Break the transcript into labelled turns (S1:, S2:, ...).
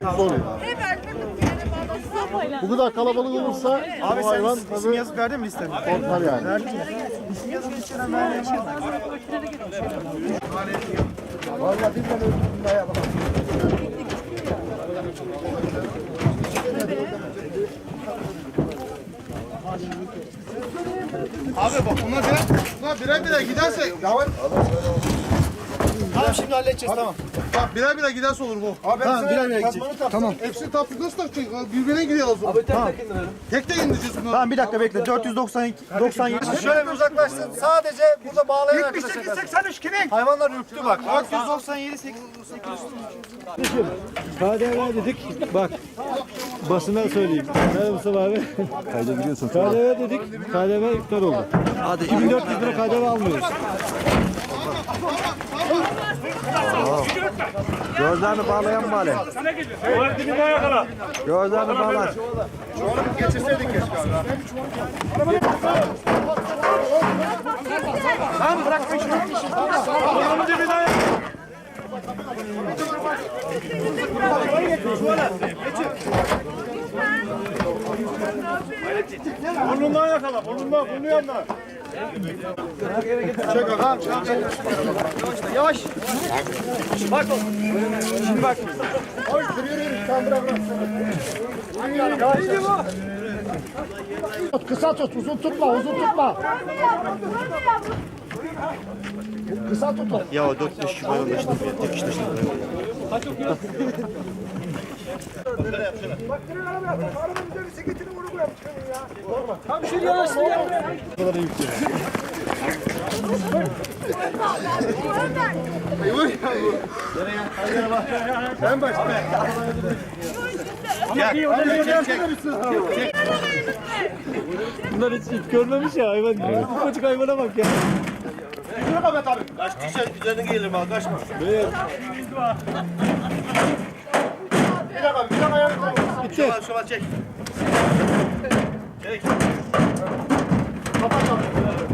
S1: Zor. Bu kadar kalabalık olursa
S2: Abi
S1: bu hayvan
S2: sen isim
S1: tabii
S2: yazıp verdin mi listeni?
S1: korkar yani.
S2: Verdin mi? İsim yazıp listeden vermeyeyim mi?
S1: Vallahi bizden öldürdüm daha yapalım.
S3: Abi bak bunlar birer giderse.
S2: Tamam şimdi halledeceğiz tamam.
S3: Bak birer giderse olur bu.
S2: Abi tamam birer gidecek. Tamam.
S3: Hepsini taptık nasıl takacak? Birbirine gidiyor o zaman. Abi tek de indireceğiz bunu.
S2: Tamam bir dakika bekle. 97. Şöyle bir uzaklaşsın. Sadece burada bağlayan arkadaşlar. 78-83 kimin? Hayvanlar ürktü bak. 497 800.
S4: KDV dedik. Bak. Basına söyleyeyim. Merhaba Mustafa abi.
S1: Kaydediyorsun.
S4: KDV dedik. KDV iptal oldu. Hadi 2400 lira KDV almıyoruz.
S1: Gözlerini bağlayan bari. Gözlerini bağlar.
S3: Geçirseydik keşke abi.
S2: Tamam bırakma şunu.
S4: Burnundan yakala. Burnu yanına.
S2: Yavaş. Bak oğlum. Şimdi bak.
S1: Kısa tut, uzun tutma. Kısa tut.
S4: Ya o 4 kişi ben onu işte tek kişi işte.
S3: Ben başla.
S4: Bunlar hiç görmemiş ya hayvan. Ufacık hayvana bak ya.
S3: Kaç kişi üzerine gelirim abi kaçma. Şöval çek. Çek. Kapat abi.